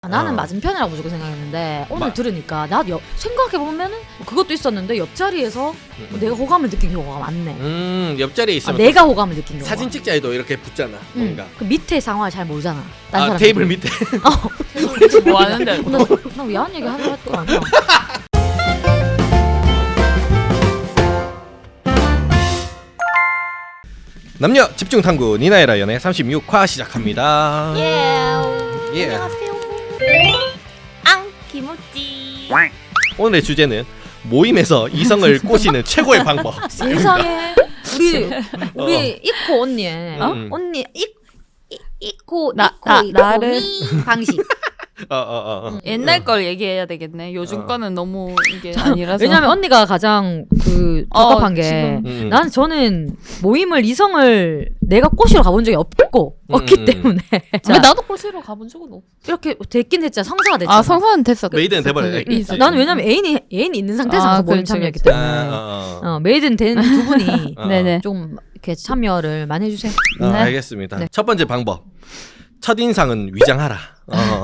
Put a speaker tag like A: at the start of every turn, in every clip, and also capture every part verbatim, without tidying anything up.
A: 아, 나는
B: 어.
A: 맞은편이라고 무조건 생각했는데 오늘
B: 마-
A: 들으니까 나 옆, 생각해보면은 그것도 있었는데 옆자리에서
B: 음.
A: 내가 호감을 느낀 경우가 많네.
B: 음 옆자리에
A: 아,
B: 있으면
A: 내가 호감을 느낀 경우가.
B: 사진 찍자 해도 이렇게 붙잖아.
A: 응.
B: 뭔가.
A: 그 밑에 상황을 잘 모르잖아. 딴
B: 아
A: 사람
B: 테이블 밑에.
C: 뭐 하는데?
A: 나 야한 얘기 하는 것 같아.
B: 남녀 집중 탐구 니나이라 연애 삼십육 화 시작합니다.
A: 예.
B: 예.
A: 안녕하세요.
C: 앙 김우찌.
B: 오늘의 주제는 모임에서 이성을 꼬시는 최고의 방법.
A: 세상에 우리 우리
B: 어.
A: 이코 언니의
B: 어? 음.
A: 언니 이 이- 이코
C: 나-
A: 이코
C: 나-
A: 이코
C: 나를-
A: 미 방식.
B: 어, 어, 어, 어.
C: 옛날 걸 얘기해야 되겠네. 요즘
B: 어.
C: 거는 너무 이게 아니라서.
A: 왜냐면 언니가 가장 그
C: 어,
A: 적합한 게
C: 지금.
B: 음, 음.
A: 나는 저는 모임을 이성을 내가 꼬시러 가본 적이 없고
B: 음,
A: 없기
B: 음.
A: 때문에 자,
C: 왜 나도 꼴시로 가본 적은 없어.
A: 이렇게 됐긴 했잖아. 성사가 됐잖아.
C: 아 성사는 됐어.
B: 메이드는 돼버려.
C: 그-
A: 응.
C: 있어.
A: 나는 왜냐면 애인이 애인이 있는 상태에서
C: 아,
A: 가서 모임
C: 그렇지,
A: 참여했기
C: 그렇지.
A: 때문에
B: 아, 어, 어.
A: 어, 메이드는 된 두 분이
B: 어.
C: 네네.
A: 좀 이렇게 참여를 많이 해주세요.
B: 어,
C: 네.
B: 알겠습니다.
A: 네.
B: 첫 번째 방법. 첫 인상은 위장하라. 어,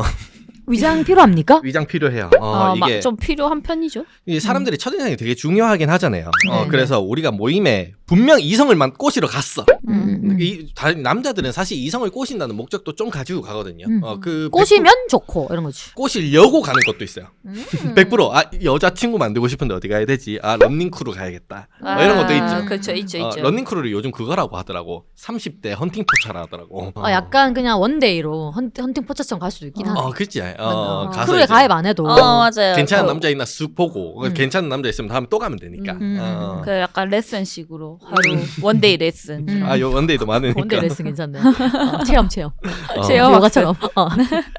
A: 위장 필요합니까?
B: 위장 필요해요. 어,
C: 아,
B: 이게
C: 막 좀 필요한 편이죠.
B: 이게 사람들이 첫 인상이 되게 중요하긴 하잖아요. 어,
A: 네,
B: 그래서 우리가 모임에 분명 이성을만 꼬시러 갔어.
A: 음, 음.
B: 이, 다른 남자들은 사실 이성을 꼬신다는 목적도 좀 가지고 가거든요.
A: 음.
B: 어, 그
A: 꼬시면 좋고 이런 거지.
B: 꼬시려고 가는 것도 있어요.
A: 음.
B: 백 퍼센트 아 여자친구 만들고 싶은데 어디 가야 되지? 아 런닝크루 가야겠다. 뭐 이런 것도 있죠.
C: 그렇죠, 있죠,
B: 어,
C: 있죠.
B: 런닝크루를 요즘 그거라고 하더라고. 삼십 대 헌팅 포차라 하더라고.
A: 어, 약간 그냥 원데이로 헌, 헌팅 포차처럼 갈 수도 있긴 하네.
B: 어 그치. 어,
A: 어,
B: 가서
A: 크루에
B: 이제
A: 가입 안 해도.
C: 어 맞아요.
B: 괜찮은
C: 그,
B: 남자 있나 쑥 보고
A: 음.
B: 괜찮은 남자 있으면 다음에 또 가면 되니까.
A: 음.
B: 어.
C: 그 약간 레슨식으로 하루 원데이 레슨.
A: 음.
B: 아, 요 원데이도 많으니까.
A: 원데이 레슨 괜찮네. 어, 체험 체험.
B: 어.
C: 체험.
A: 요가처럼. 어.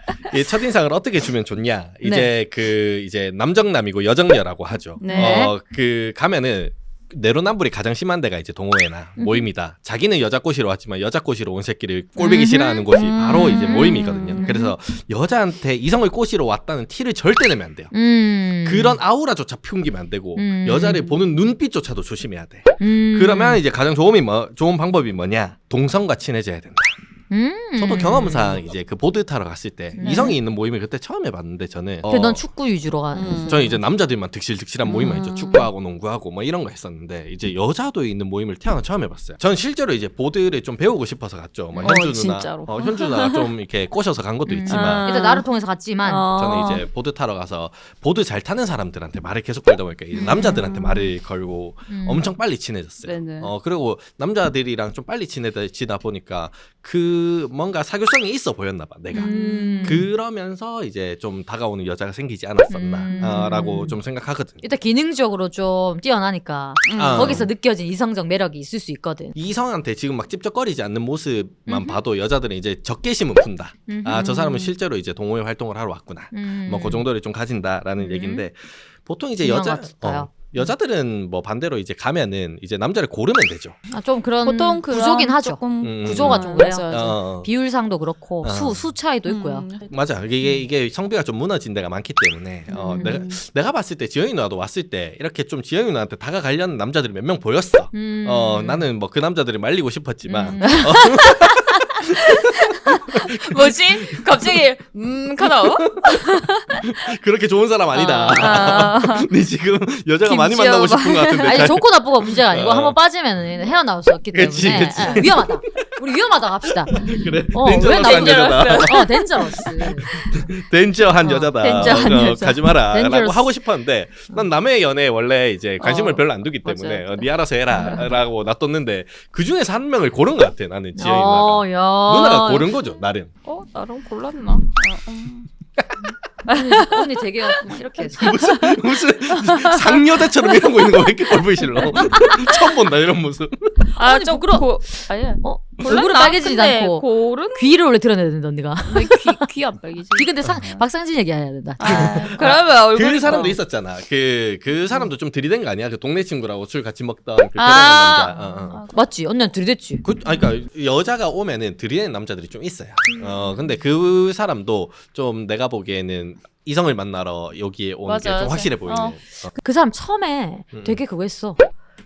B: 이 첫인상을 어떻게 주면 좋냐? 이제
A: 네.
B: 그 이제 남정남이고 여정녀라고 하죠.
C: 네.
B: 어, 그 가면은 내로남불이 가장 심한 데가 이제 동호회나
A: 음.
B: 모임이다. 자기는 여자 꼬시러 왔지만 여자 꼬시러 온 새끼를 꼴보기
A: 음.
B: 싫어하는 곳이
A: 음.
B: 바로 이제 모임이거든요.
A: 음.
B: 그래서 여자한테 이성을 꼬시러 왔다는 티를 절대 내면 안 돼요.
A: 음.
B: 그런 아우라조차 풍기면 안 되고
A: 음.
B: 여자를 보는 눈빛조차도 조심해야 돼.
A: 음.
B: 그러면 이제 가장 좋은, 뭐, 좋은 방법이 뭐냐? 동성과 친해져야 된다.
A: 음.
B: 저도 경험상 이제 그 보드 타러 갔을 때
A: 네.
B: 이성이 있는 모임을 그때 처음 해봤는데 저는
A: 근데
B: 어,
A: 넌 축구 위주로 가.
C: 음.
B: 저는 이제 남자들만 득실득실한 모임만
C: 음.
B: 했죠. 축구하고 농구하고 뭐 이런 거 했었는데 이제 여자도 있는 모임을 태어나 처음 해봤어요. 전 실제로 이제 보드를 좀 배우고 싶어서 갔죠. 뭐
C: 어,
B: 현주 누나,
C: 진짜로.
B: 어, 현주 누나 좀 이렇게 꼬셔서 간 것도
A: 음.
B: 있지만
C: 아.
A: 일단 나를 통해서 갔지만.
C: 어.
B: 저는 이제 보드 타러 가서 보드 잘 타는 사람들한테 말을 계속 걸다 보니까 이제 남자들한테 말을 걸고
A: 음.
B: 엄청 빨리 친해졌어요.
C: 네네.
B: 어 그리고 남자들이랑 좀 빨리 친해지다 보니까 그 뭔가 사교성이 있어 보였나 봐 내가.
A: 음.
B: 그러면서 이제 좀 다가오는 여자가 생기지 않았었나라고
A: 음.
B: 좀 생각하거든요.
A: 일단 기능적으로 좀 뛰어나니까
C: 음.
B: 아.
A: 거기서 느껴진 이성적 매력이 있을 수 있거든.
B: 이성한테 지금 막 찝쩍거리지 않는 모습만
A: 음흠.
B: 봐도 여자들은 이제 적개심은 푼다. 아 저 사람은 실제로 이제 동호회 활동을 하러 왔구나.
A: 음.
B: 뭐 그 정도를 좀 가진다라는
A: 음.
B: 얘기인데 보통 이제
A: 중요한
B: 여자
A: 것 같아요.
B: 어, 여자들은 뭐 반대로 이제 가면은 이제 남자를 고르면 되죠.
A: 아, 좀 그런
C: 보통 그런
A: 구조긴 하죠.
C: 조금
B: 음.
A: 구조가 좀 그래요.
C: 맞아, 맞아.
B: 어,
A: 비율상도 그렇고
B: 어.
A: 수, 수 차이도 있고요.
C: 음.
B: 맞아. 이게 이게 성비가 좀 무너진 데가 많기 때문에 어,
A: 음.
B: 내가 내가 봤을 때 지영이 누나도 왔을 때 이렇게 좀 지영이 누나한테 다가가려는 남자들이 몇 명 보였어.
A: 음.
B: 어 나는 뭐 그 남자들을 말리고 싶었지만
A: 음.
C: 뭐지? 갑자기 음 카나오?
B: 그렇게 좋은 사람 아니다.
C: 아.
B: 네 지금 여자가 많이
C: 김지영
B: 만나고 싶은 것 같은데.
A: 아니
B: 잘-
A: 좋고 나쁘고 문제가 아니고
B: 어.
A: 한번 빠지면 헤어나올 수 없기 때문에
B: 그치, 그치.
A: 예, 위험하다. 우리 위험하다 갑시다.
B: 그래.
A: 어,
B: 덴저러스한
A: 왜
B: 여자다.
A: 어 덴저러스.
B: 덴저한
A: 어,
B: 여자다.
C: 덴저한
B: 어,
C: 여자.
B: 가지 마라라고
A: 덴저러스.
B: 하고 싶었는데 난 남의 연애에 원래 이제 관심을
C: 어,
B: 별로 안 두기 때문에
C: 맞아요.
B: 어, 네 알아서 해라라고 놔뒀는데 그 중에서 한 명을 고른 것 같아 나는 지영이
A: 어,
B: 누나가.
A: 야.
B: 누나가 고른 거죠 나름.
C: 어 나랑 골랐나? 어, 음.
A: 언니, 언니 되게 이렇게
B: 무슨 무슨 상여자처럼 이런 거 있는 거 왜 이렇게 꼴보기 싫어? 처음 본다 이런 모습.
C: 아,
A: 아니,
C: 좀
A: 부끄러워.
C: 고, 아니야.
A: 어
C: 골랐나?
A: 얼굴은 빨개지지
C: 근데
A: 않고
C: 고른?
A: 귀를 원래 드러내야 된다 언니가.
C: 귀귀안 빨개지.
A: 귀 근데 상 박상진 얘기해야 된다.
C: 아, 그러면 얼굴
B: 그 사람도 있었잖아. 그 그 사람도 좀 들이댄 거 아니야? 그 동네 친구라고 술 같이 먹던 그 결혼한
C: 아.
B: 남자. 어, 어.
A: 맞지? 언니한테 들이댔지.
B: 그, 아니, 그러니까 여자가 오면은 들이대는 남자들이 좀 있어요. 어 근데 그 사람도 좀 내가 보기에는 이성을 만나러 여기에 온 게
C: 맞아,
B: 좀
C: 맞아.
B: 확실해 보이는.
C: 어.
B: 어.
A: 그 사람 처음에
B: 음.
A: 되게 그거 했어. 차,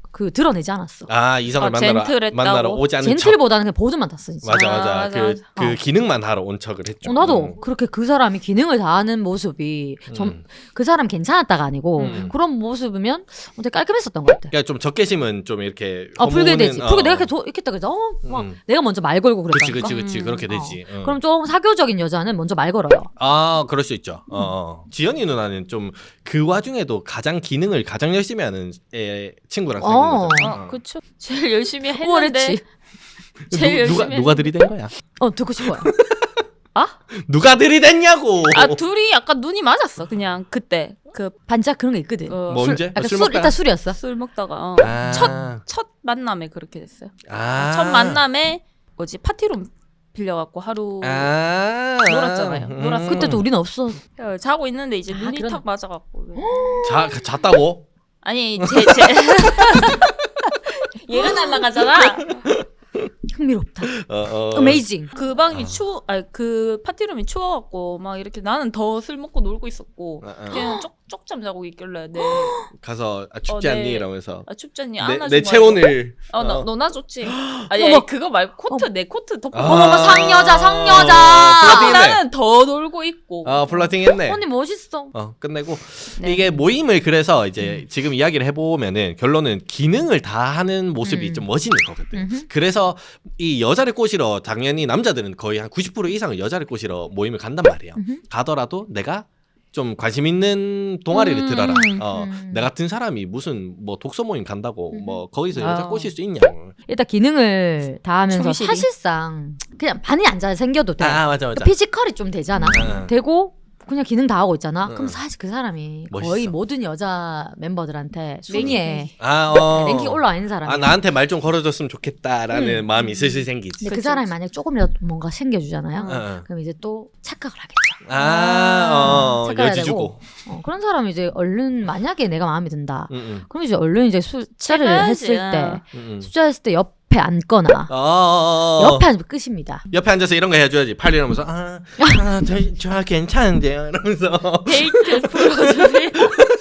A: 그 드러내지 않았어.
B: 아 이성을
C: 아,
B: 만나러
C: 젠틀했다고?
B: 만나러 오지 않은 척.
A: 젠틀보다는 그냥 보드만 탔어 진짜.
B: 맞아
C: 아,
B: 맞아.
C: 맞아,
B: 그,
C: 맞아.
B: 그
A: 어.
B: 기능만 하러 온 척을 했죠.
A: 어, 나도
B: 음.
A: 그렇게 그 사람이 기능을 다하는 모습이 좀
B: 음.
A: 그 사람 괜찮았다가 아니고
B: 음.
A: 그런 모습이면 되게 깔끔했었던 것 같아.
B: 그러니까 좀 적개심은 좀 이렇게
A: 어 불게 되지.
B: 허무는,
A: 불게
B: 어.
A: 내가 이렇게 도, 이렇게 딱 그래서 어, 막
B: 음.
A: 내가 먼저 말 걸고
B: 그치
A: 그랬다니까.
B: 그치 그치
C: 음.
B: 그렇게
A: 어.
B: 되지. 응.
A: 그럼 좀 사교적인 여자는 먼저 말 걸어요.
B: 아 그럴 수 있죠. 어, 어. 지연이 누나는 좀 그 와중에도 가장 기능을 가장 열심히 하는 애, 친구랑 사귄
A: 어.
B: 거잖아.
C: 어, 그쵸. 제일 열심히 했는데
A: 우월했지.
C: 제일
B: 누, 누가
C: 열심히
B: 누가 들이댄 거야?
A: 어 듣고 싶어요.
B: 누가 들이댔냐고.
C: 아 둘이 약간 눈이 맞았어. 그냥 그때 그
A: 반짝 그런 게 있거든.
C: 어,
B: 뭐
A: 술,
B: 언제?
A: 약간
B: 술
A: 술,
B: 먹다가?
A: 일단 술이었어.
C: 술 먹다가 어.
B: 아.
C: 첫, 첫 만남에 그렇게 됐어요.
B: 아.
C: 첫 만남에 뭐지 파티룸 빌려갖고 하루
B: 아.
C: 놀았잖아요. 놀았어.
A: 그때도 우리는 없어.
C: 어, 자고 있는데 이제
A: 아,
C: 눈이
A: 그런-
C: 탁 맞아갖고
B: 자 잤다고?
C: 아니 제 제 얘가 날라가잖아.
A: 흥미롭다.
B: 어, 어.
A: 어메이징.
C: 그 방이
B: 아.
C: 추워, 아니 그 파티룸이 추워갖고 막 이렇게 나는 더 술 먹고 놀고 있었고
B: 어, 어.
C: 걔는 쪽 쪽잠 자고 있길래 내
B: 가서 아, 춥지
C: 어,
B: 않니
C: 네.
B: 이러면서
C: 아 춥잖니
B: 내,
C: 안아주고
B: 내 체온을
C: 어너
B: 어.
C: 너나 줬지. 아니,
A: 어머.
C: 아니 그거 말고 코트 내 코트 덮고
B: 아.
A: 어머머 상여자 상여자.
B: 어, 플러팅했네.
C: 나는 더 놀고 있고.
B: 어 플러팅했네.
A: 언니 멋있어.
B: 어 끝내고
C: 네.
B: 이게 모임을 그래서 이제 지금 이야기를 해보면은 결론은 기능을 다 하는 모습이
A: 음.
B: 좀 멋있는 거거든.
A: 음흠.
B: 그래서 이 여자를 꼬시러 당연히 남자들은 거의 한 구십 퍼센트 이상은 여자를 꼬시러 모임을 간단 말이에요.
A: 음흠.
B: 가더라도 내가 좀 관심 있는 동아리를
C: 음,
B: 들어라. 어,
A: 음.
B: 내 같은 사람이 무슨 뭐 독서 모임 간다고
A: 음.
B: 뭐 거기서 여자
C: 아.
B: 꼬실 수 있냐고.
A: 일단 기능을 다 하면서
C: 충실히.
A: 사실상 그냥 많이 안 잘 생겨도 돼.
B: 아 맞아 맞아.
A: 피지컬이 좀 되잖아.
B: 어.
A: 되고 그냥 기능 다 하고 있잖아.
B: 응.
A: 그럼 사실 그 사람이
B: 멋있어.
A: 거의 모든 여자 멤버들한테 순위에
B: 아 어.
A: 랭킹 올라와 있는 사람이야.
B: 아 나한테 말 좀 걸어줬으면 좋겠다라는
A: 음.
B: 마음이 슬슬 생기지.
A: 근데 그
C: 그치,
A: 사람이
C: 그치.
A: 만약 조금이라도 뭔가 챙겨주잖아요.
B: 어, 어.
A: 그럼 이제 또 착각을 하겠죠.
B: 아, 어,
A: 착각해야
B: 여지
A: 되고.
B: 주고.
A: 어, 그런 사람이 이제 얼른 만약에 내가 마음에 든다.
B: 응, 응,
A: 그럼 이제 얼른 이제 숫자를
C: 착각하지.
A: 했을 때
B: 응, 응.
A: 숫자 했을 때 옆에 앉거나
B: 어, 어, 어.
A: 옆에 앉으면 끝입니다.
B: 옆에 앉아서 이런 거 해줘야지. 팔 이러면서 아, 아 저, 저 괜찮은데요. 이러면서
C: 데이트 풀어주세요.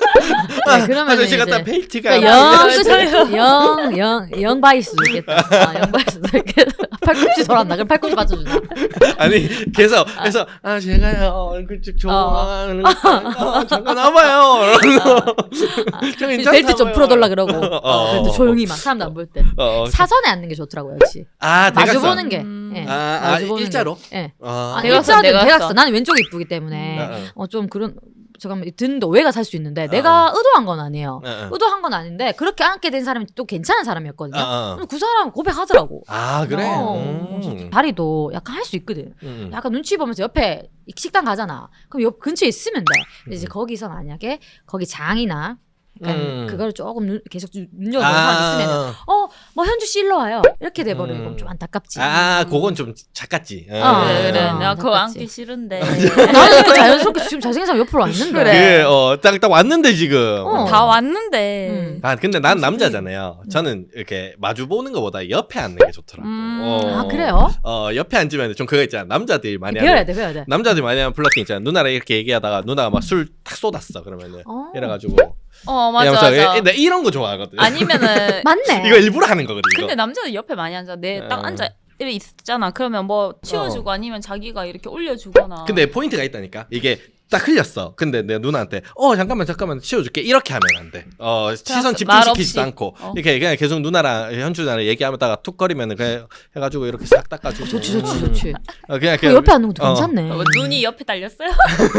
A: 네, 그러면
B: 아저씨
A: 이제
B: 같다 벨트가
A: 그러니까
C: 영
A: 영
C: 맞아요.
A: 끝이 영, 영, 영 바일 수도 있겠다. 아, 영 바일 수도 있겠다. 팔꿈치 돌았나? 그럼 팔꿈치 맞춰주나?
B: 아니 그래서 그래서 아 제가요 얼굴 쭉 좋아하는 거 어, 잠깐 와봐요. 이러면서 저 괜찮다고요.
A: 벨트 좀 풀어달라 그러고
B: 어.
A: 벨트 조용히 막 사람도 안 볼 때.
B: 어, 어.
A: 사선에 앉는 게 좋더라고요, 역시.
B: 아
A: 마주
B: 대각선.
A: 보는 게.
C: 음.
A: 예.
B: 아, 아,
A: 마주 보는
B: 일자로?
A: 게. 예.
B: 아,
A: 아,
C: 대각선,
A: 일자로
C: 대각선.
A: 대각선. 나는 왼쪽이 이쁘기 때문에
B: 어, 어.
A: 어, 좀 그런 잠깐만 듣는데 오해가 살 수 있는데 내가 의도한 건 아니에요.
B: 어, 어.
A: 의도한 건 아닌데 그렇게 앉게 된 사람이 또 괜찮은 사람이었거든요.
B: 어, 어.
A: 그럼 그 사람 고백하더라고.
B: 아 그래.
A: 어,
B: 음.
A: 다리도 약간 할 수 있거든.
B: 음.
A: 약간 눈치 보면서 옆에 식당 가잖아. 그럼 옆 근처에 있으면 돼. 근데 이제
B: 음.
A: 거기서 만약에 거기 장이나 약간
B: 음.
A: 그걸 조금 눈, 계속 눈- 눈여보는 사람 있으면
B: 아,
A: 어뭐 현주 씨 일로 와요. 이렇게 돼버리면
B: 음.
A: 그럼 좀 안타깝지.
B: 아, 그건 좀 작았지. 어.
A: 어,
C: 그래 그래
A: 어,
C: 내가 그거
A: 똑같지.
C: 앉기 싫은데
A: 나는 또 자연스럽게 지금 잘생긴 사람 옆으로 왔는데.
C: 그래.
B: 그, 어, 딱, 딱 왔는데, 지금.
A: 어.
C: 다 왔는데
A: 음.
B: 아, 근데 난 남자잖아요. 저는 이렇게 마주 보는 것보다 옆에 앉는 게 좋더라고.
C: 음.
B: 어.
A: 아 그래요?
B: 어, 옆에 앉으면 좀 그거 있잖아. 남자들이 많이
A: 배워야
B: 하는.
A: 돼, 배워야 돼.
B: 남자들이 많이 하는 플러팅 있잖아. 누나랑 이렇게 얘기하다가 누나가 막 술 탁 쏟았어. 그러면은.
A: 어.
B: 이래가지고.
C: 어 맞아
B: 이러면서
C: 맞아.
B: 이- 나 이런 거 좋아하거든.
C: 아니면은
A: 맞네.
B: 이거 일부러 하는 거거든, 이거.
C: 근데 남자는 옆에 많이 앉아. 내 딱
B: 어.
C: 앉아 이렇게 있잖아. 그러면 뭐 치워주고 아니면 자기가 이렇게 올려주거나.
B: 근데 포인트가 있다니까. 이게 딱 흘렸어. 근데 내 누나한테 어 잠깐만 잠깐만 치워줄게 이렇게 하면 안 돼. 어 시선
C: 말
B: 집중시키지도
C: 없이.
B: 않고
C: 어.
B: 이렇게 그냥 계속 누나랑 현주 누나랑 얘기하다가 툭거리면은 그냥 해가지고 이렇게 싹 닦아주고.
A: 좋지, 좋지,
B: 음.
A: 좋지.
B: 어, 그냥
A: 그
B: 그냥
A: 옆에 앉는 것도
B: 어.
A: 괜찮네.
C: 어, 눈이 옆에 달렸어요?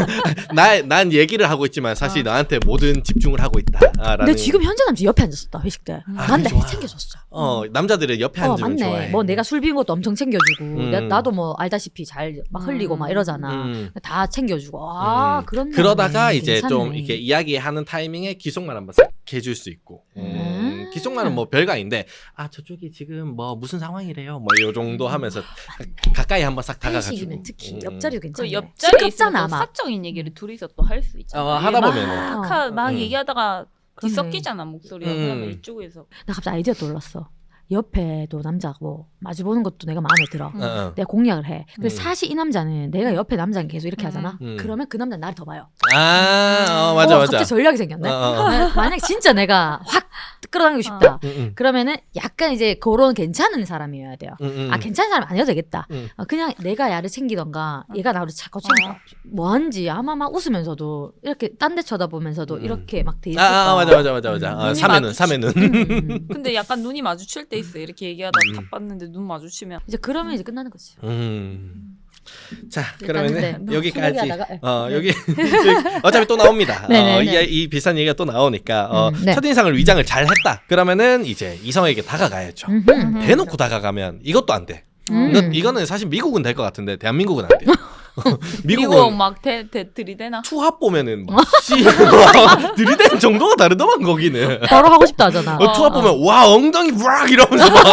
B: 나난 얘기를 하고 있지만 사실 너한테 모든 집중을 하고 있다라는.
A: 근데 지금 현재 남자 옆에 앉았었다 회식 때.
C: 음.
B: 아,
A: 맞네,
B: 그게 좋아.
A: 챙겨줬어.
B: 어 남자들은 옆에
A: 어
B: 앉으면
A: 맞네.
B: 좋아해.
A: 뭐 내가 술 비운 것도 엄청 챙겨주고
B: 음.
A: 나, 나도 뭐 알다시피 잘 막 흘리고 막 이러잖아.
B: 음.
A: 다 챙겨주고 아
B: 음.
A: 그런.
B: 그러다가
A: 마음이
B: 이제 좀
A: 괜찮네.
B: 이렇게 이야기하는 타이밍에 기속말 한번 싹 해줄 수 있고. 음.
A: 음.
B: 기속말은 뭐 별거 아닌데 아 저쪽이 지금 뭐 무슨 상황이래요. 뭐 이 정도 하면서 가까이 한번 싹 다가가지고.
A: 회식이면 특히
B: 음.
A: 옆자리도 괜찮네.
C: 그 옆자리에
A: 시끄럽잖아
C: 있으면 또
A: 아마.
C: 사적인 얘기를 둘이서 또 할 수 있잖아.
B: 어, 하다
C: 막
B: 보면은.
C: 하- 막
B: 음.
C: 얘기하다가
A: 그러네.
C: 뒤섞이잖아 목소리가.
B: 음.
C: 그러면 이쪽에서
A: 나 갑자기 아이디어 떠올랐어. 옆에도 남자 뭐 마주 보는 것도 내가 마음에 들어.
C: 음.
B: 어, 어.
A: 내가 공략을 해. 근데
B: 음.
A: 사실 이 남자는 내가 옆에 남자는 계속 이렇게
C: 음.
A: 하잖아.
B: 음.
A: 그러면 그 남자는 나를 더 봐요.
B: 아, 어, 맞아,
A: 어,
B: 맞아.
A: 갑자기 전략이 생겼네.
B: 어, 어.
A: 만약 진짜 내가 확 끌어당기고 싶다.
B: 음, 음.
A: 그러면은 약간 이제 그런 괜찮은 사람이어야 돼요.
B: 음, 음.
A: 아 괜찮은 사람 아니어도 되겠다.
B: 음.
A: 어, 그냥 내가 야를 챙기던가 얘가 나를 자꾸 챙겨.
C: 어.
A: 뭐하는지 아마 막 웃으면서도 이렇게 딴 데 쳐다보면서도
B: 음.
A: 이렇게 막 돼
B: 아,
A: 있을까.
B: 아 맞아 맞아 맞아 맞아.
A: 음.
B: 아,
C: 눈이
B: 삼회는
C: 마주치-
B: 삼회는.
A: 음.
C: 근데 약간 눈이 마주칠 때 있어. 이렇게 얘기하다
B: 음.
C: 탁 봤는데 눈 마주치면
A: 이제 그러면 이제 끝나는 거지.
B: 음. 자
A: 일단은
B: 그러면은
A: 네,
B: 여기까지.
A: 소개하다가,
B: 어
A: 네.
B: 여기 어차피 또 나옵니다.
A: 네네네.
B: 어, 이, 이 비싼 얘기가 또 나오니까 어,
A: 음, 네.
B: 첫인상을 위장을 잘 했다. 그러면은 이제 이성에게 다가가야죠.
A: 음흠.
C: 음.
B: 대놓고 다가가면 이것도 안 돼.
A: 음.
B: 이거, 이거는 사실 미국은 될 것 같은데 대한민국은 안 돼요.
C: 미국
B: 미국은
C: 막 대, 대, 들이대나?
B: 투합 보면은 막 씨, 와, 들이대는 정도가 다르더만 거기는.
A: 바로 하고 싶다 하잖아.
B: 어, 투합
C: 어.
B: 보면 와 엉덩이 락 이러면서 막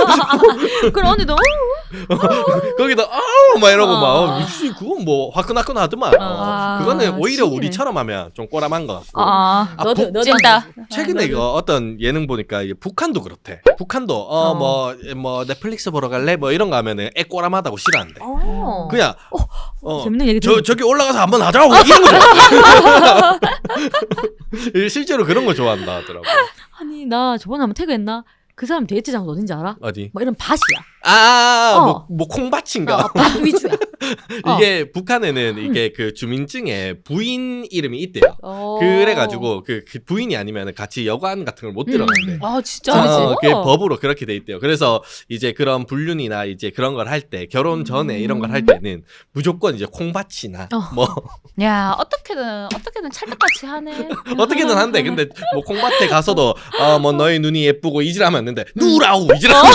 A: 그럼 언니도
B: 거기다 아우 막 이러고
A: 어.
B: 막 어, 미친 그건 뭐 화끈화끈하더만. 어.
C: 아,
B: 그거는 오히려
C: 치기네.
B: 우리처럼 하면 좀 꼬람한 것 같고.
C: 아,
B: 아,
A: 너도
B: 북-
A: 너도
C: 찐다.
B: 최근에
C: 아,
B: 이거 어떤 예능 보니까 이게 북한도 그렇대. 북한도
A: 어.
B: 어 뭐 뭐 넷플릭스 보러 갈래 뭐 이런 거 하면은 애 꼬람하다고 싫어한대.
A: 어.
B: 그냥 어,
A: 재밌는 얘기
B: 저
A: 들었-
B: 저기 올라가서 한번 하자고 이런 거 좋아. 실제로 그런 거 좋아한다 하더라고.
A: 아니 나 저번에 한번 태그했나? 그 사람 데이트 장소 어딘지 알아?
B: 어디?
A: 뭐 이런 밭이야.
B: 아,
A: 어.
B: 뭐, 뭐 콩밭인가?
A: 어, 밭 위주야. 어.
B: 이게 북한에는 이게 그 주민증에 부인 이름이 있대요.
A: 어.
B: 그래가지고 그, 그 부인이 아니면 같이 여관 같은 걸 못 들어간대.
A: 음.
C: 아 진짜?
B: 어, 그게
C: 어.
B: 법으로 그렇게 돼 있대요. 그래서 이제 그런 불륜이나 이제 그런 걸 할 때 결혼 전에 이런 걸 할 때는 무조건 이제 콩밭이나
A: 어.
B: 뭐
C: 야 어떻게든 어떻게든 찰떡같이 하네.
B: 어떻게든 한대. 근데 뭐 콩밭에 가서도 어 뭐 너의 눈이 예쁘고 이질하면 안 된대. 누라고 이질하면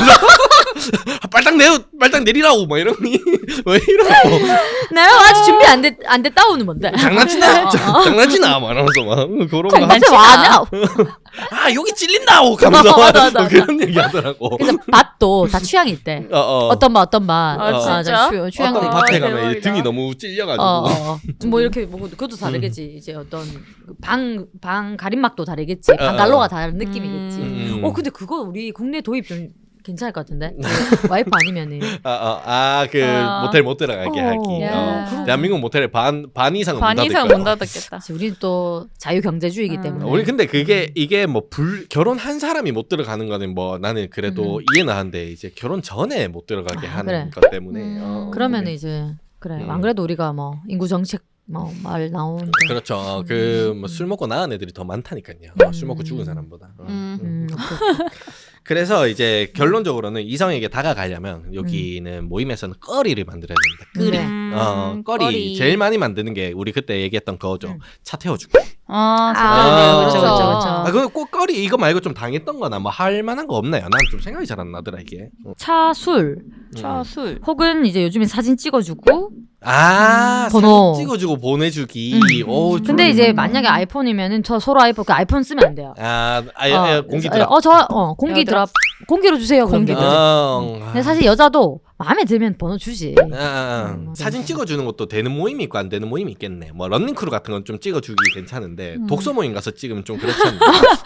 B: 빨딱 내려 빨딱 내리라고 막 이러니 왜 이러고
A: 내가 아직 준비 안 됐, 안 됐다오는 뭔데?
B: 장난치나
A: 어, 어.
B: 장난치나 막 이러면서 막 그런 거
A: 장난치
B: 하면서
A: 와냐?
B: 아 여기 찔린다고 가면서
A: 어, 맞아, 맞아,
B: 뭐 그런 얘기 하더라고.
A: 그래서 밭도 다 취향이 있대.
B: 어, 어.
A: 어떤 밭 어떤 밭.
C: 아,
B: 진짜?
A: 자, 취, 취향
B: 어떤
C: 아,
B: 밭에 가면
C: 대박이다.
B: 이제 등이 너무 찔려가지고
A: 어, 어, 어. 뭐 이렇게 뭐 그것도 다르겠지. 이제 어떤 방 방 가림막도 다르겠지. 방 갈로가 다른 느낌이겠지.
B: 음.
A: 어 근데 그거 우리 국내 도입 좀 괜찮을 것 같은데. 그 와이프 아니면은.
B: 아아그
C: 아.
B: 모텔 못 들어가게
A: 어.
B: 하기.
C: 야.
B: 어. 대한민국 모텔에 반 반 이상은
C: 반
B: 문 닫을
C: 이상
B: 거야.
C: 못 닫았겠다.
A: 사실 우리는 또 자유 경제주의이기
C: 음.
A: 때문에.
B: 우리 근데 그게 이게 뭐 불 결혼한 사람이 못 들어가는 거는 뭐 나는 그래도
A: 음.
B: 이해는 하는데 이제 결혼 전에 못 들어가게
A: 아,
B: 하는
A: 그래.
B: 것 때문에
C: 음.
B: 어,
A: 그러면
B: 그래.
A: 이제 그래.
B: 음.
A: 안 그래도 우리가 뭐 인구 정책 뭐 말 나오는데.
B: 그렇죠. 그 뭐 술 먹고 나은 애들이 더 많다니까요. 어, 술 먹고 죽은 사람보다. 어.
C: 음.
A: 음, 오케이.
B: 그래서 이제 결론적으로는 이성에게 다가가려면 여기는 모임에서는 거리를 만들어야 됩니다. 끄리.
A: 네.
C: 음,
B: 어, 거리. 제일 많이 만드는 게 우리 그때 얘기했던 거죠.
A: 음.
B: 차 태워주고.
C: 아,
B: 아,
C: 그렇죠,
A: 그렇죠.
C: 그렇죠, 그렇죠.
B: 아, 그 꼭 거리 이거 말고 좀 당했던 거나 뭐 할 만한 거 없나요? 난 좀 생각이 잘 안 나더라 이게. 어.
A: 차, 술
C: 차, 술.
A: 혹은 이제 요즘에 사진 찍어주고.
B: 아,
A: 음, 번호.
B: 사진 찍어주고 보내주기.
A: 음.
B: 오,
A: 근데
B: 좀-
A: 이제 만약에 아이폰이면은 저 서로 아이폰 그 아이폰 쓰면 안 돼요.
B: 아, 아,
A: 어,
B: 아, 공기 드랍.
A: 어, 저, 어, 공기
C: 에어드랍.
A: 드랍. 공기로 주세요. 그럼
C: 공기
A: 되거든.
B: 어,
A: 근데 사실 여자도 마음에 들면 번호 주지.
B: 아, 아, 아.
A: 음,
B: 사진 찍어주는 것도 되는 모임이 있고 안 되는 모임이 있겠네. 뭐 런닝크루 같은 건 좀 찍어주기 괜찮은데
C: 음.
B: 독서 모임 가서 찍으면 좀 그렇지 않나?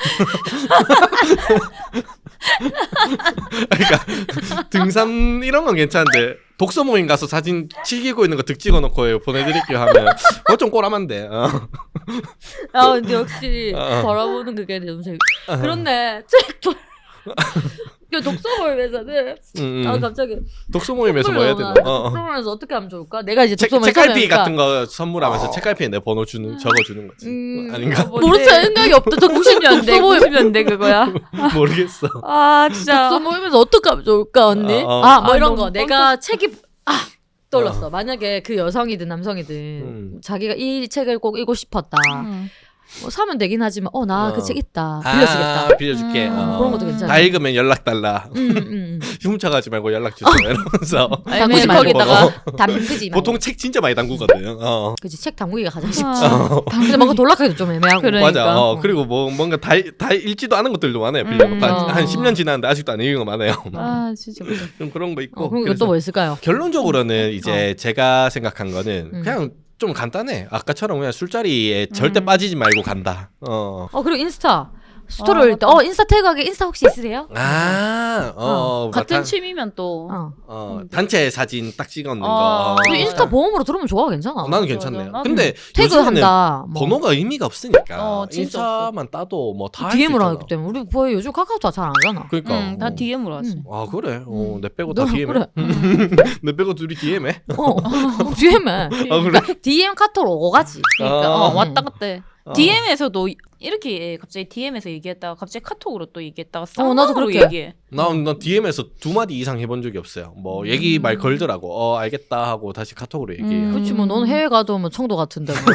B: 그러니까 등산 이런 건 괜찮은데 독서 모임 가서 사진 치기고 있는 거 득 찍어놓고 보내드릴게요 하면 그거 좀 꼬라만데. 어.
A: 아, 근데 역시
B: 어.
A: 바라보는 그게 너무 재밌. 그런데 책도 그 독서 모임에서는
B: 음, 음.
A: 아 갑자기
B: 독서 모임에서 뭐 해야 되나? 어, 어.
A: 독서 모임에서 어떻게 하면 좋을까? 내가 이제
B: 책,
A: 독서 모임
B: 책갈피
A: 참여하니까
B: 같은 거 선물하면서 책갈피에 내 번호 주는 적어주는 거지.
A: 음,
B: 아닌가?
A: 모르 생각이 없다. 저
C: 구십 년대,
A: 독서 모임
C: 구십 년대 그거야.
B: 모르겠어.
C: 아, 진짜.
A: 독서 모임에서 어떻게 하면 좋을까 언니?
B: 어, 어.
A: 아 뭐
C: 아,
A: 이런
C: 너무
A: 거 내가 책이 아 떠올랐어.
B: 어.
A: 만약에 그 여성이든 남성이든
B: 음.
A: 자기가 이 책을 꼭 읽고 싶었다.
C: 음.
A: 뭐 사면 되긴 하지만 어 나 그
B: 어.
A: 책 있다 빌려주겠다.
B: 아, 빌려줄게.
C: 음,
B: 어.
A: 그런 것도 괜찮아.
B: 다 읽으면 연락 달라.
A: 음, 음, 음.
B: 훔쳐가지 말고 연락 주세요. 이러면서
A: 담그지
C: 아니면
A: 말고
C: 거기다가
A: 담그지 말고.
B: 보통 책 진짜 많이 담그거든. 어.
A: 그치 책 담그기가 가장 쉽지.
C: 아,
A: 근데 뭔가 돌락하기도 좀 애매하고.
C: 그래.
B: 맞아.
C: 그러니까.
B: 어. 그리고 뭐 뭔가 다, 다 읽지도 않은 것들도 많아요. 빌려놓고
C: 음,
B: 한,
A: 어.
B: 한 십 년 지났는데 아직도 안 읽은 거 많아요.
C: 아, 진짜.
B: 좀 그런 거 있고.
A: 어, 그럼
B: 그래서
A: 이것도 뭐 있을까요?
B: 결론적으로는 이제 제가 생각한 거는
A: 음.
B: 그냥 좀 간단해. 아까처럼 그냥 술자리에 절대
C: 음.
B: 빠지지 말고 간다. 어.
A: 어 그리고 인스타 스토리
C: 아,
A: 올릴 때
C: 맞다.
A: 어 인스타 태그하게 인스타 혹시 있으세요?
B: 아, 어,
C: 같은
B: 단-
C: 취미면 또
A: 어.
B: 어, 단체 사진 딱 찍었는
C: 어.
B: 거.
A: 근데 인스타
C: 어.
A: 보험으로 들으면 좋아 괜찮아.
B: 어, 나는
C: 맞아,
B: 괜찮네요.
C: 맞아.
B: 근데
A: 태그
B: 요즘에는
A: 한다. 뭐.
B: 번호가 의미가 없으니까
C: 어, 진짜
B: 인스타만 따도 뭐 다
A: 디엠으로 하기 때문에 우리 거의 요즘 카카오톡 잘 안 하잖아.
B: 그러니까
C: 응, 다
B: 어.
C: 디엠으로 하지.
A: 음.
B: 아 그래? 어,
A: 음.
B: 내 빼고
A: 너
B: 다 디엠해?
A: 그래.
B: 내 빼고 둘이 디엠해?
A: 어, 디엠에.
B: 아 그래?
A: 디엠 카톡으로 오가지.
C: 그러니까
B: 아.
C: 어, 왔다 갔다 해.
B: 어.
C: 디엠에서도 이렇게 갑자기 디엠에서 얘기했다가 갑자기 카톡으로 또 얘기했다가
A: 어, 나도
C: 쌍방으로
A: 그렇게.
C: 얘기해.
B: 난, 난 디엠에서 두 마디 이상 해본 적이 없어요. 뭐 얘기 말 걸더라고. 어 알겠다 하고 다시 카톡으로 얘기해요.
C: 음.
A: 그렇지 뭐 넌 해외 가도 뭐 청도 같은데 뭐.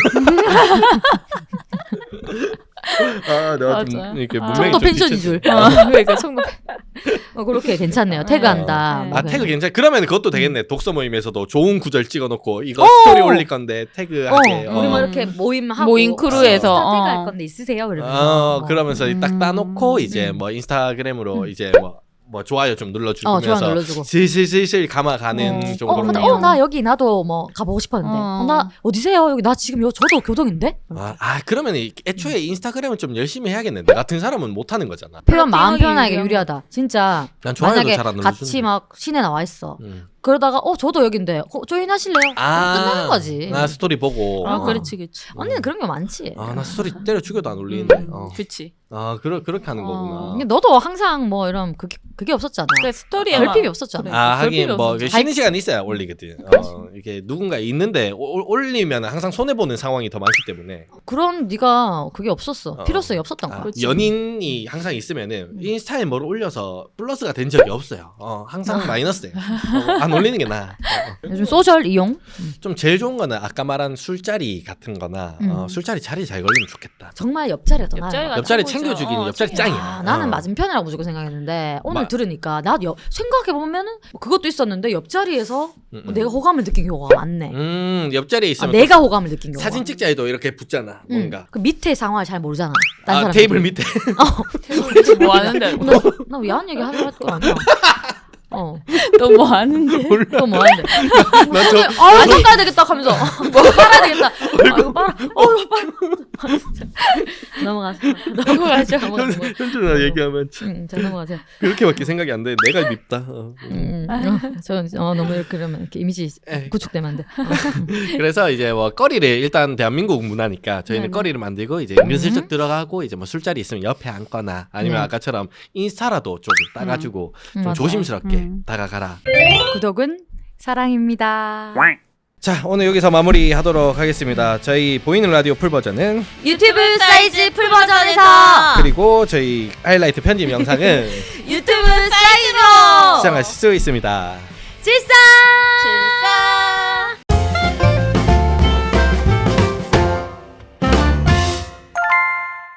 B: 아 내가 좀
C: 맞아.
B: 이렇게
C: 아.
B: 문명이
A: 청도
B: 좀
A: 펜션인
B: 뒤쳤-
A: 줄.
C: 어, 그러니까 청도.
A: 어, 그렇게 괜찮네요. 태그한다.
C: 네.
A: 뭐
B: 아
A: 그냥.
B: 태그 괜찮. 그러면 그것도 되겠네. 독서 모임에서도 좋은 구절 찍어놓고 이거
A: 어!
B: 스토리 올릴 건데 태그하게.
A: 어, 우리 뭐
C: 어.
A: 이렇게 모임 하고
C: 모임 크루에서,
A: 인스타 태그
C: 어.
A: 할 건데 있으세요? 이러면서.
B: 어 그러면서 딱 따놓고
C: 음.
B: 이제
A: 음.
B: 뭐 인스타그램으로
A: 음.
B: 이제 뭐 뭐 좋아요 좀 눌러주면서
A: 어, 좋아 눌러주고.
B: 슬슬슬슬 감아가는
C: 어.
B: 정도로.
A: 어, 근데
C: 그러네요.
A: 어, 나 여기 나도 뭐 가보고 싶었는데.
C: 어.
A: 어, 나 어디세요? 여기 나 지금 요 저도 교동인데.
B: 아, 아 그러면 이- 애초에 인스타그램을 좀 열심히 해야겠네. 나 같은 사람은 못 하는 거잖아.
A: 표현 마음
C: 플러팅하기
A: 표현하기
C: 위한-
A: 유리하다. 진짜.
B: 난 좋아요도
A: 만약에
B: 잘 안 눌러주는데.
A: 같이 막 시내 나와 있어.
B: 음.
A: 그러다가 어 저도 여긴데 어, 조인 하실래요?
B: 아,
A: 그럼 끝나는 거지.
B: 나 스토리 보고.
C: 아,
A: 어.
C: 그렇지, 그렇지.
A: 언니는 그런 게 많지.
B: 아, 나 스토리 때려 죽여도 안 올리는데.
C: 음,
B: 어.
C: 그렇지.
B: 아, 그러, 그렇게 하는
C: 어.
B: 거구나.
A: 근데 너도 항상 뭐 이런 그게 그게 없었잖아.
C: 그 스토리에
A: 결핍이 없었잖아.
C: 그래.
B: 아, 하긴
C: 별필요
B: 뭐
C: 없었지.
B: 쉬는 시간 있어야 올리거든. 어, 이게 누군가 있는데 올- 올리면 항상 손해 보는 상황이 더 많기 때문에.
A: 그런 네가 그게 없었어.
B: 어.
A: 필요성이 없었던 거야.
B: 아,
C: 그렇지.
B: 연인이 항상 있으면은 인스타에 뭘 올려서 플러스가 된 적이 없어요. 어, 항상 마이너스예요. 어, 안 올리는 게 나아. 어, 어.
A: 요즘 소셜 이용
B: 좀 제일 좋은 거는 아까 말한 술자리 같은 거나 어,
A: 음.
B: 술자리 자리 잘 걸리면 좋겠다.
A: 정말 옆자리가 더
C: 옆자리가
A: 나아요.
B: 옆자리
C: 최고죠.
B: 챙겨주기는
C: 어,
B: 옆자리
C: 챙겨.
B: 짱이야.
A: 아, 나는
B: 어.
A: 맞은편이라고 무조건 생각했는데 오늘
B: 마-
A: 들으니까 나 여, 생각해 보면은 뭐 그것도 있었는데 옆자리에서
B: 음,
A: 뭐
B: 음.
A: 내가 호감을 느낀 경우가 많네.
B: 음, 옆자리에
A: 아,
B: 있으면
A: 내가 호감을 느낀 경우가.
B: 사진 찍자 해도 이렇게 붙잖아.
A: 응.
B: 뭔가.
A: 그 밑에 상황을 잘 모르잖아. 딴
B: 아,
A: 사람
B: 테이블 밑에.
C: 뭐 하는데?
A: 나 야한 얘기 하려고 할거 아니야. 어,
C: 또 뭐 하는데?
A: 또 뭐 하는데?
B: 난 저,
A: 아, 이거 깔아야 되겠다 하면서 뭐 빨아야 되겠다. 아, 이거 빨아. 어, 이거 빨아. 넘어가세요. 넘어가죠. 넘어가세요.
B: 현준아 얘기하면 참
A: 응, 자 넘어가세요.
B: 그렇게밖에 생각이 안 돼. 내가 밉다. 어.
A: 음, 음. 어, 저 어, 너무 이렇게 그러면 이렇게 이미지
B: 에이.
A: 구축되면 안 돼. 어.
B: 그래서 이제 뭐 거리를 일단 대한민국 문화니까 저희는
C: 네네.
B: 거리를 만들고 이제 은근슬쩍 들어가고 이제 뭐 술자리 있으면 옆에 앉거나 아니면
A: 네.
B: 아까처럼 인스타라도 좀 따가지고
A: 음,
B: 좀
A: 맞아요.
B: 조심스럽게
C: 음.
B: 다가가라.
A: 구독은 사랑입니다.
B: 자 오늘 여기서 마무리하도록 하겠습니다. 저희 보이는 라디오 풀 버전은
A: 유튜브 사이즈 풀 버전에서
B: 그리고 저희 하이라이트 편집 영상은
A: 유튜브 사이즈로
B: 시청하실 수 있습니다.
A: 질서